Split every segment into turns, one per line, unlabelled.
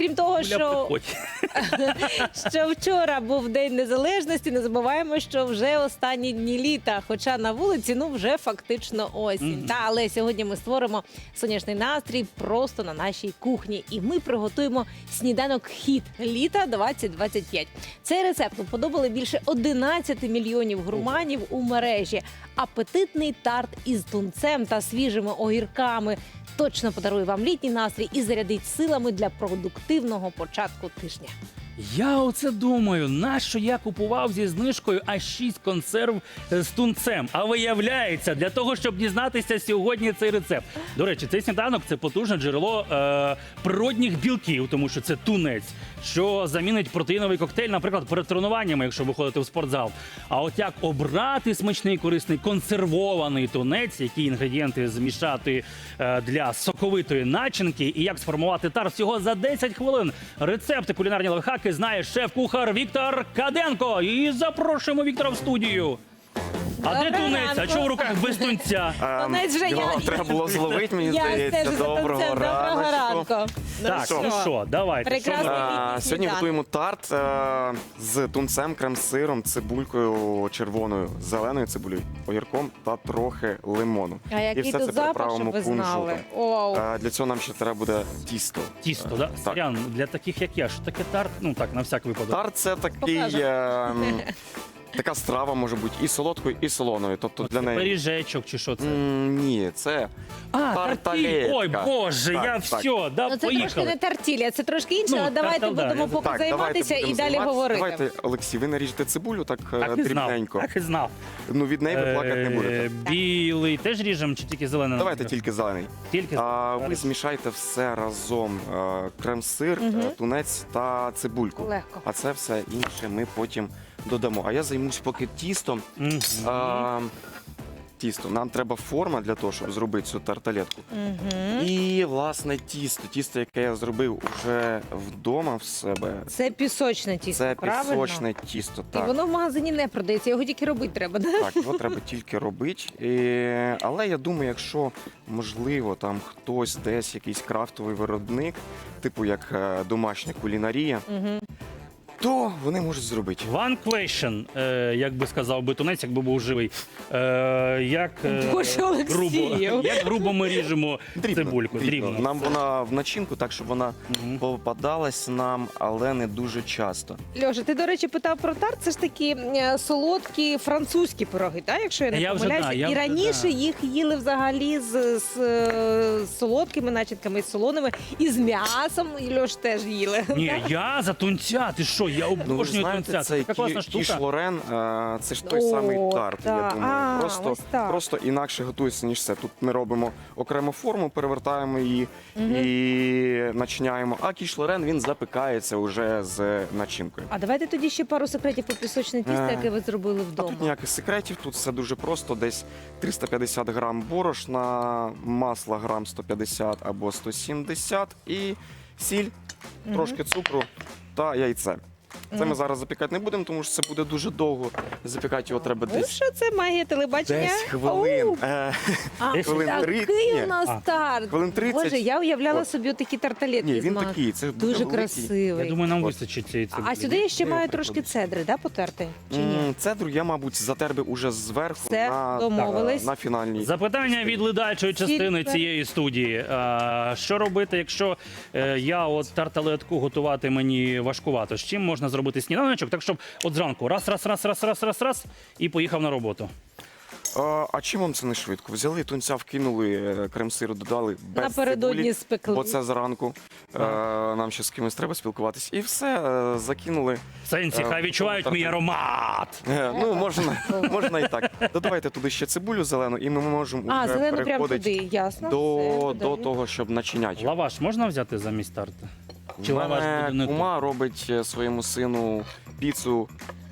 Крім того,
Юля, приходь.
що вчора був День Незалежності, не забуваємо, що вже останні дні літа, хоча на вулиці, вже фактично осінь. Але сьогодні ми створимо сонячний настрій просто на нашій кухні. І ми приготуємо сніданок-хіт літа 2025. Цей рецепт уподобали більше 11 мільйонів гурманів у мережі. Апетитний тарт із тунцем та свіжими огірками точно подарує вам літній настрій і зарядить силами для продуктивного початку тижня.
Я оце думаю, нащо я купував зі знижкою аж 6 консерв з тунцем. А виявляється, для того, щоб дізнатися сьогодні цей рецепт. До речі, цей сніданок – це потужне джерело природних білків, тому що це тунець, що замінить протеїновий коктейль, наприклад, перед тренуваннями, якщо ви ходите в спортзал. А от як обрати смачний, корисний, консервований тунець, які інгредієнти змішати для соковитої начинки і як сформувати тарт всього за 10 хвилин. Рецепти, кулінарні лайфхаки знає шеф-кухар Віктор Каденко. І запрошуємо Віктора в студію. А де тунець? А чого в руках без тунця?
Тунець вже
Його треба було зловити, мені
Я
здається.
стежу за тунцем. Доброго ранку.
Так, ну що, давайте.
Прекрасний літній
Сьогодні
сніданок.
готуємо тарт з тунцем, крем-сиром, цибулькою червоною, зеленою цибулею, огірком та трохи лимону.
А який
І все
тут
це
запах,
приправимо
щоб ви знали.
кунжутом.
Оу.
Для цього нам ще треба буде тісто.
Тісто, да?
Так.
Сорян, для таких як я, що таке тарт? Ну так, на всяк випадок.
Тарт – це такий...
Покажемо.
Така страва може бути і солодкою, і солоною. Тобто для неї...
Пиріжечок чи що це?
Ні, це
Тартіль.
тарталетка.
Ой, Боже,
Так,
я
так.
все, да,
Ну, це трошки
поїхали.
не тартілля, це трошки інше,
Ну,
але давайте
тартал, да,
будемо
я
поки
Так,
займатися
давайте
і
будемо
далі
займатися.
говорити.
Давайте, Олексій, ви наріжете цибулю так,
Так і знав,
дрібненько.
так і знав.
Ну, від неї ви плакати не будете.
Білий теж ріжемо чи тільки зелений?
Давайте тільки зелений.
Тільки
Ви змішайте все разом. Крем-сир, тунець та цибульку.
Легко.
А це все інше ми потім додамо. А я займусь поки тістом.
Мгм.
Тісто. Нам треба форма для того, щоб зробити цю тарталетку. І, власне, тісто, яке я зробив уже вдома в себе.
Це пісочне тісто,
Це
правильно?
пісочне тісто.
І
Так.
воно в магазині не продається, його тільки робити треба. Да?
Так, його треба тільки робити. Але я думаю, якщо можливо там хтось десь якийсь крафтовий виробник, типу як домашня кулінарія, то вони можуть зробити.
One question, як би сказав би тунець, якби був живий. Як
Боже, Олексію.
грубо ми ріжемо цибульку? Дрібно.
Нам вона в начинку, так щоб вона попадалась нам, але не дуже часто.
Льоша, ти, до речі, питав про тарт. Це ж такі солодкі французькі пироги, так? Якщо я не
Я вже,
помиляюся.
да, я
І
вже,
раніше
да.
їх їли взагалі з солодкими начинками, з солоними, і з м'ясом. І Льош теж їли.
Ні, я за тунця, ти що, я
Ну, ви
обожнюю
знаєте,
тунця.
це
Така класна
кіш
штука.
Лорен, це ж той
О,
самий тарт, я
так.
думаю.
Ось так.
Просто інакше готується, ніж це. Тут ми робимо окрему форму, перевертаємо її і начиняємо. А кіш Лорен, він запікається вже з начинкою.
А давайте тоді ще пару секретів про пісочне тісто, яке ви зробили
А
вдома.
тут ніяких секретів, тут все дуже просто. Десь 350 грам борошна, масла грам 150 або 170 і сіль, трошки цукру та яйце. Це ми зараз запікати не будемо, тому що це буде дуже довго. Запікати його треба
Ну
десь
що це магія телебачення?
10 хвилин.
Оу. А,
Хвилин
такий
30.
у нас тарт.
Хвилин 30.
Боже, я уявляла
От.
собі такі тарталетки
Ні,
з
він
маком.
такий, це буде
Дуже
великий.
красивий.
Я думаю, нам
От.
вистачить цієї цибулі.
А сюди я ще
Я
маю
прикладу.
трошки цедри, да, потерти? Чи ні?
Цедру я, мабуть, затер би уже зверху
Все, домовились.
на фінальній.
Запитання від ледачої частини
Сіль.
цієї студії. Що робити, якщо я от тарталетку готувати мені важкувато? З чим можна зробити сніданочок? Так, щоб от зранку раз, і поїхав на роботу.
А чим вам це не швидко? Взяли тунця, вкинули, крем-сиру додали без
Напередодні
цибулі,
спекли.
бо це зранку. Нам ще з кимось треба спілкуватись. І все, закинули.
Сенсі, хай відчувають мій аромат.
Ну, можна і так. Додавайте туди ще цибулю зелену, і ми можемо
А,
вже
зелену прямо
переходити
туди, ясно.
до
все, додаю.
того, щоб начиняти.
Лаваш можна взяти замість тарта? Чи
У
лаваш буде
мене
не
кума робить своєму сину піцу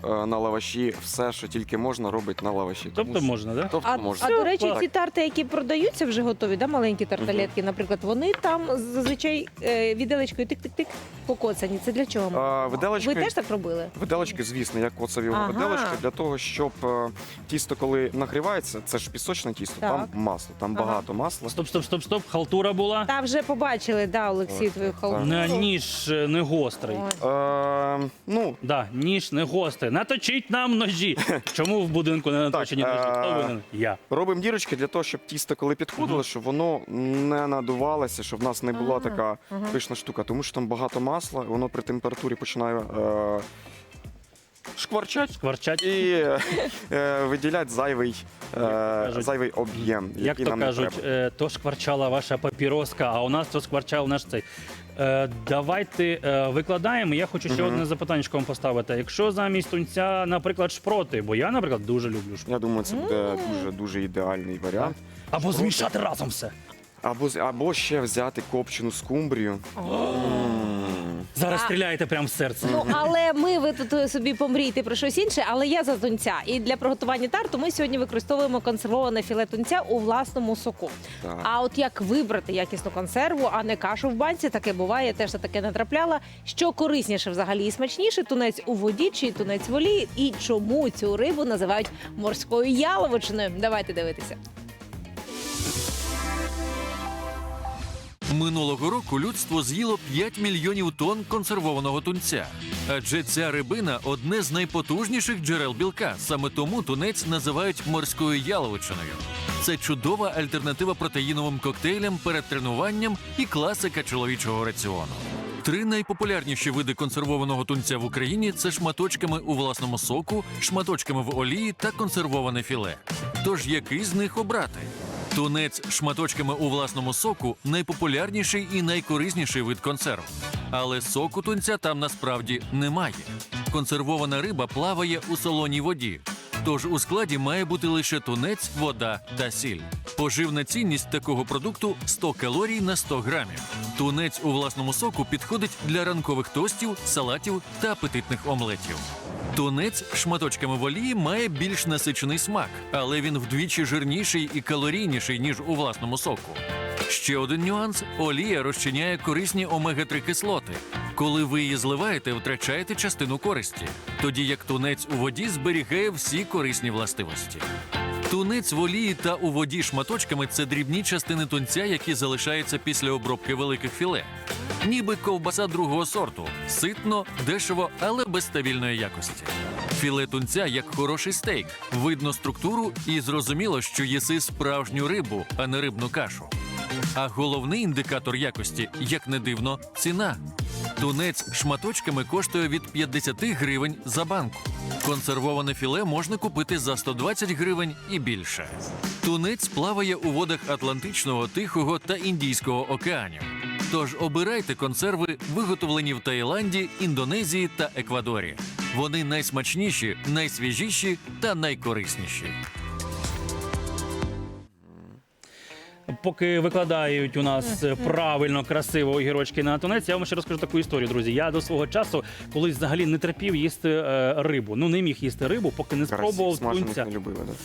на лаваші все, що тільки можна, робить на лаваші.
Тобто можна, так?
Тобто
А,
можна.
до речі,
Так.
ці тарти, які продаються вже готові, да, маленькі тарталетки, наприклад, вони там зазвичай віделечкою тик-тик-тик покоцані. Це для чого? Ви
Виделочкою,
теж так робили?
виделочки, звісно, як коцові
Ага.
виделочки, для того, щоб тісто, коли нагрівається, це ж пісочне тісто,
Так.
там масло, там
Ага.
багато масла.
Стоп. Халтура була.
Та вже побачили, да, Олексій,
Ось,
твою
так.
халву.
Ніж не гострий.
Ой.
Ну,
Да, ніж не гострий. Наточіть нам ножі. Чому в будинку не наточені ножі? Хто винен? Я.
робимо дірочки для того, щоб тісто, коли підходило, щоб воно не надувалося, щоб в нас не була
Ага,
така
ага.
пишна штука, тому що там багато масла, і воно при температурі починає шкварчати
Скворчать.
і виділять
кажуть,
зайвий об'єм,
Як
який
то
нам не
кажуть,
треба.
то шкварчала ваша папіроска, а у нас то шкварчав наш цей. Давайте викладаємо. Я хочу ще одне запитання вам поставити. Якщо замість тунця, наприклад, шпроти, бо я, наприклад, дуже люблю шпроти.
Я думаю, це буде дуже ідеальний варіант.
Або змішати разом все.
Або ще взяти копчену скумбрію.
Зараз
А-
стріляєте прямо в серце.
Ну, але ви тут собі помрійте про щось інше, але я за тунця. І для приготування тарту ми сьогодні використовуємо консервоване філе тунця у власному соку.
Так.
А от як вибрати якісну консерву, а не кашу в банці, таке буває, я теж на таке натрапляла. Що корисніше взагалі і смачніше, тунець у воді чи тунець в олії, і чому цю рибу називають морською яловичиною? Давайте дивитися.
Минулого року людство з'їло 5 мільйонів тонн консервованого тунця. Адже ця рибина – одне з найпотужніших джерел білка. Саме тому тунець називають морською яловичиною. Це чудова альтернатива протеїновим коктейлям перед тренуванням і класика чоловічого раціону. 3 найпопулярніші види консервованого тунця в Україні – це шматочками у власному соку, шматочками в олії та консервоване філе. Тож який з них обрати? Тунець шматочками у власному соку – найпопулярніший і найкорисніший вид консерв. Але соку тунця там насправді немає. Консервована риба плаває у солоній воді. Тож у складі має бути лише тунець, вода та сіль. Поживна цінність такого продукту – 100 калорій на 100 грамів. Тунець у власному соку підходить для ранкових тостів, салатів та апетитних омлетів. Тунець шматочками в олії має більш насичений смак, але він вдвічі жирніший і калорійніший, ніж у власному соку. Ще один нюанс – олія розчиняє корисні омега-3 кислоти. Коли ви її зливаєте, втрачаєте частину користі, тоді як тунець у воді зберігає всі корисні властивості. Тунець в олії та у воді шматочками – це дрібні частини тунця, які залишаються після обробки великих філе. Ніби ковбаса другого сорту – ситно, дешево, але без стабільної якості. Філе тунця як хороший стейк. Видно структуру і зрозуміло, що їси справжню рибу, а не рибну кашу. А головний індикатор якості, як не дивно, ціна. Тунець шматочками коштує від 50 гривень за банку. Консервоване філе можна купити за 120 гривень і більше. Тунець плаває у водах Атлантичного, Тихого та Індійського океанів. Тож обирайте консерви, виготовлені в Таїланді, Індонезії та Еквадорі. Вони найсмачніші, найсвіжіші та найкорисніші.
Поки викладають у нас правильно, красиво огірочки на тунець, я вам ще розкажу таку історію, друзі. Я до свого часу колись взагалі не терпів їсти рибу. Ну, не міг їсти рибу, поки не спробував
Смажених
тунця.
не любили, да?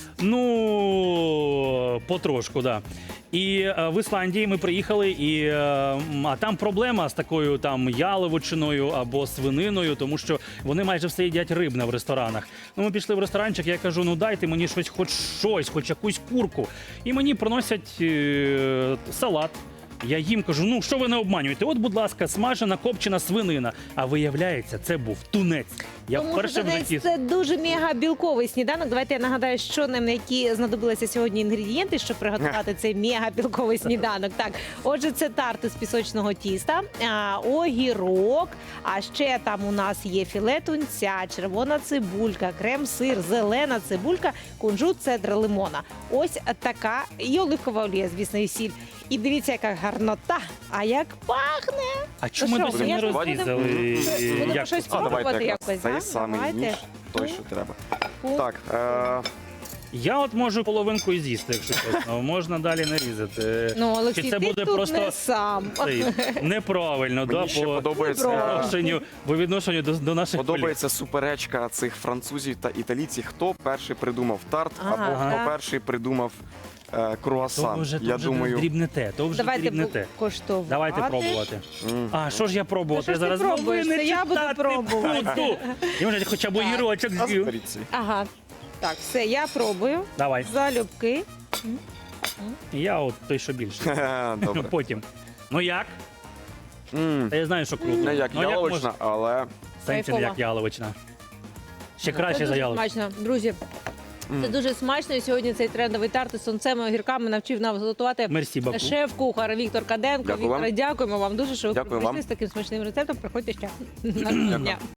Ну, потрошку, да. І в Ісландії ми приїхали, а там проблема з такою там яловичиною або свининою, тому що вони майже все їдять рибне в ресторанах. Ну, ми пішли в ресторанчик, я кажу, ну дайте мені хоч якусь курку. І мені приносять салат. Я їм кажу, ну що ви не обманюєте? От, будь ласка, смажена копчена свинина. А виявляється, це був тунець. Я
Тому
вперше
що
в житті.
це дуже мега-білковий сніданок. Давайте я нагадаю, що нам які знадобилися сьогодні інгредієнти, щоб приготувати цей мега-білковий сніданок. Так, отже, це тарти з пісочного тіста, огірок, а ще там у нас є філе тунця, червона цибулька, крем-сир, зелена цибулька, кунжут, цедра лимона. Ось така і оливкова олія, звісно, і сіль. І дивіться, яка гарнота, а як пахне!
А чому ми
що,
досі не
я
розрізали?
Будемо
це?
щось
А давайте
пробувати
якраз
якось,
цей
да?
самий
Давайте.
ніж, той, що треба.
Пу.
Так,
Я от можу половинку і з'їсти, якщо чесно. Можна далі нарізати.
Ну,
Чи
Олексій,
це
ти
буде
тут
просто
не сам.
цей, неправильно,
Мені ще
по
подобається,
відношенню до наших колег.
подобається суперечка цих французів та італійців, хто перший придумав тарт,
Ага,
або
так.
хто перший придумав круасан.
То вже,
Я
то вже
думаю,
дрібнете, то вже
Давайте
дрібнете.
коштувати.
Давайте пробувати.
м,
А, що ж я пробувати?
Та
Я
що ж ти
зараз
пробуєш?
новини
Це я буду
читати
пробувати.
буду. Я вже хоча б огірочок
а
з'їв.
зберіться.
Ага. Так, все, я пробую.
Давай.
Залюбки.
Я от той, що більше.
Добре.
Потім. Ну як?
М,
Та я знаю, що круто.
Не як
Ну,
яловична, але
Сенсі не
Кайфово.
як яловична. Ще
Це
краще за
дуже
яловичну.
смачно. Друзі, це дуже смачно. І сьогодні цей трендовий тарт із тунцем і огірками навчив нас готувати
Мерсі, Баку.
шеф-кухар Віктор Каденко.
Дякую вам.
Вікторе, дякуємо вам дуже, що ви
Дякую
прийшли
вам.
з таким смачним рецептом. Приходьте ще. На дня.